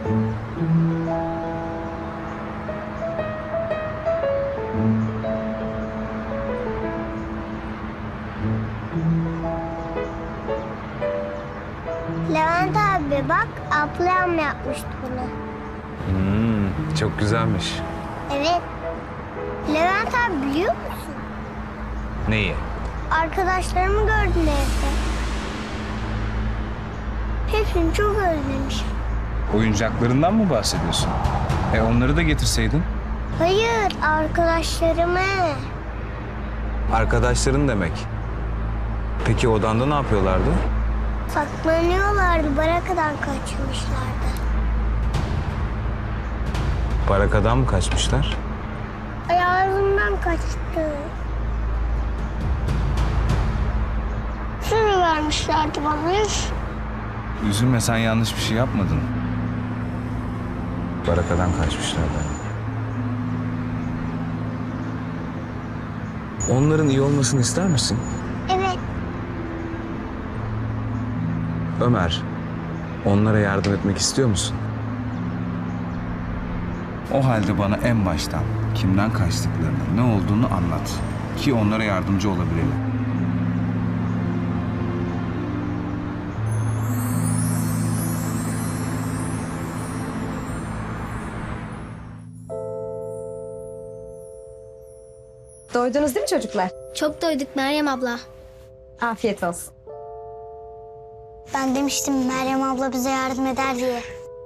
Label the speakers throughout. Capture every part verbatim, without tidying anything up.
Speaker 1: Levent abi bak, ablam yapmıştı bunu.
Speaker 2: Hmm, çok güzelmiş.
Speaker 1: Evet. Levent abi biliyor musun?
Speaker 2: Neyi?
Speaker 1: Arkadaşlarımı gördüm evde. Hepsini çok özlemişim.
Speaker 2: Oyuncaklarından mı bahsediyorsun? E onları da getirseydin.
Speaker 1: Hayır, arkadaşlarımı.
Speaker 2: Arkadaşların demek. Peki odanda ne yapıyorlardı?
Speaker 1: Saklanıyorlardı, barakadan kaçmışlardı.
Speaker 2: Barakadan mı kaçmışlar?
Speaker 1: Ayağımdan kaçtı. Sürü vermişlerdi bana.
Speaker 2: Üzülme, sen yanlış bir şey yapmadın. Barakadan kaçmışlardı. Onların iyi olmasını ister misin?
Speaker 1: Evet.
Speaker 2: Ömer, onlara yardım etmek istiyor musun? O halde bana en baştan kimden kaçtıklarını, ne olduğunu anlat. Ki onlara yardımcı olabilelim.
Speaker 3: Doydunuz değil mi çocuklar?
Speaker 1: Çok doyduk Meryem abla.
Speaker 3: Afiyet olsun.
Speaker 1: Ben demiştim Meryem abla bize yardım eder diye.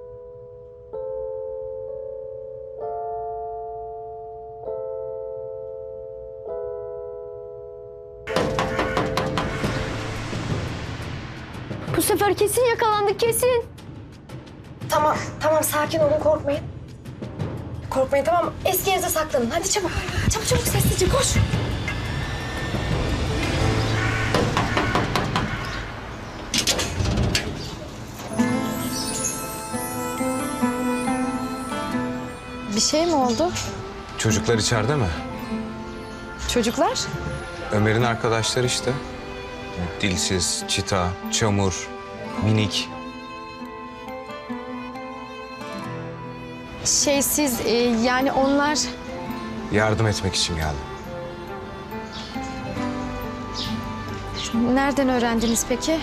Speaker 4: Bu sefer kesin yakalandık, kesin.
Speaker 3: Tamam, tamam sakin olun, korkmayın. Korkmayın, tamam. Eski yerinize saklanın. Hadi çabuk. Çabuk çabuk sessizce koş. Bir şey mi oldu?
Speaker 2: Çocuklar içeride mi?
Speaker 3: Çocuklar?
Speaker 2: Ömer'in arkadaşları işte. Dilsiz, Çita, Çamur, Minik.
Speaker 3: Şey siz e, yani onlar...
Speaker 2: Yardım etmek için geldim.
Speaker 3: Nereden öğrendiniz peki?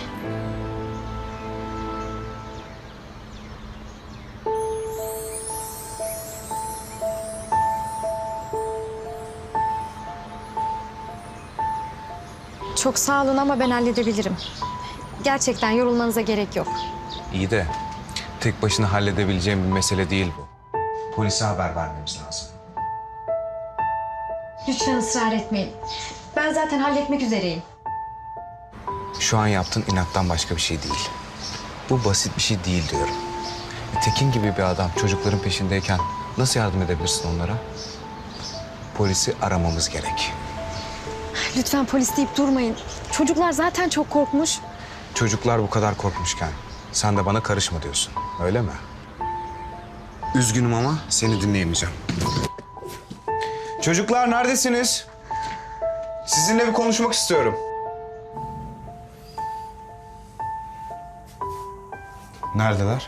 Speaker 3: Çok sağ olun ama ben halledebilirim. Gerçekten yorulmanıza gerek yok.
Speaker 2: İyi de tek başına halledebileceğim bir mesele değil bu. Polise haber vermemiz lazım.
Speaker 3: Lütfen ısrar etmeyin. Ben zaten halletmek üzereyim.
Speaker 2: Şu an yaptığın inattan başka bir şey değil. Bu basit bir şey değil diyorum. E, Tekin gibi bir adam çocukların peşindeyken nasıl yardım edebilirsin onlara? Polisi aramamız gerek.
Speaker 3: Lütfen polis deyip durmayın. Çocuklar zaten çok korkmuş.
Speaker 2: Çocuklar bu kadar korkmuşken sen de bana karışma diyorsun, öyle mi? Üzgünüm ama seni dinleyemeyeceğim. Çocuklar neredesiniz? Sizinle bir konuşmak istiyorum. Neredeler?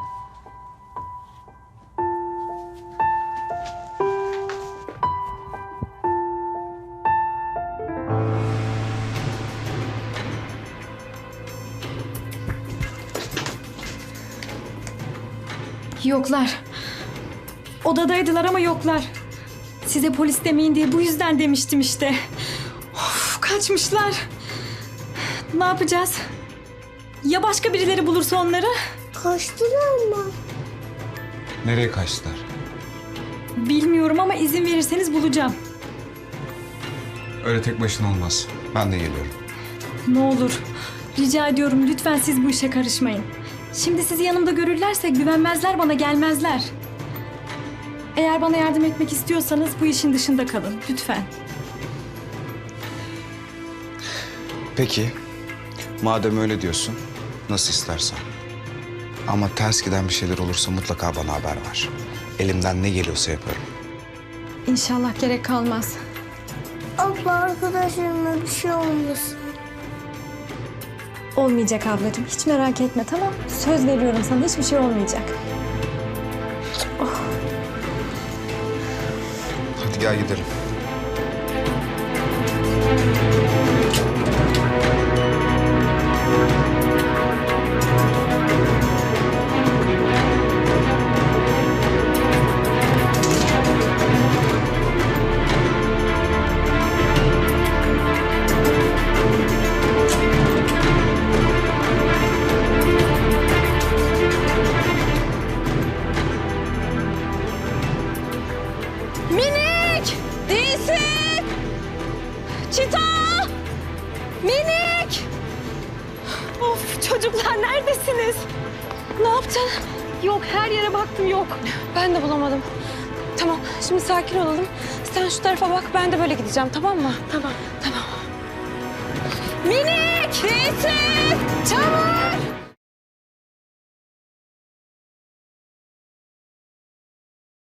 Speaker 5: Yoklar. Odadaydılar ama yoklar. Size polis demeyin diye bu yüzden demiştim işte. Of, kaçmışlar. Ne yapacağız? Ya başka birileri bulursa onları?
Speaker 1: Kaçtılar mı?
Speaker 2: Nereye kaçtılar?
Speaker 5: Bilmiyorum ama izin verirseniz bulacağım.
Speaker 2: Öyle tek başına olmaz. Ben de geliyorum.
Speaker 5: Ne olur. Rica ediyorum lütfen siz bu işe karışmayın. Şimdi sizi yanımda görürlerse güvenmezler, bana gelmezler. Eğer bana yardım etmek istiyorsanız bu işin dışında kalın lütfen.
Speaker 2: Peki, madem öyle diyorsun, nasıl istersen. Ama ters giden bir şeyler olursa mutlaka bana haber ver. Elimden ne geliyorsa yaparım.
Speaker 5: İnşallah gerek kalmaz.
Speaker 1: Abla arkadaşlarıma bir şey olmasın.
Speaker 5: Olmayacak ablacığım. Hiç merak etme, tamam? Söz veriyorum sana, hiçbir şey olmayacak.
Speaker 2: Gel gidelim.
Speaker 5: Minik! Değilsin! Çita! Minik! Of çocuklar neredesiniz? Ne yaptın? Yok her yere baktım yok. Ben de bulamadım. Tamam şimdi sakin olalım. Sen şu tarafa bak ben de böyle gideceğim tamam mı? Tamam. Tamam. Minik! Değilsin! Çabuk!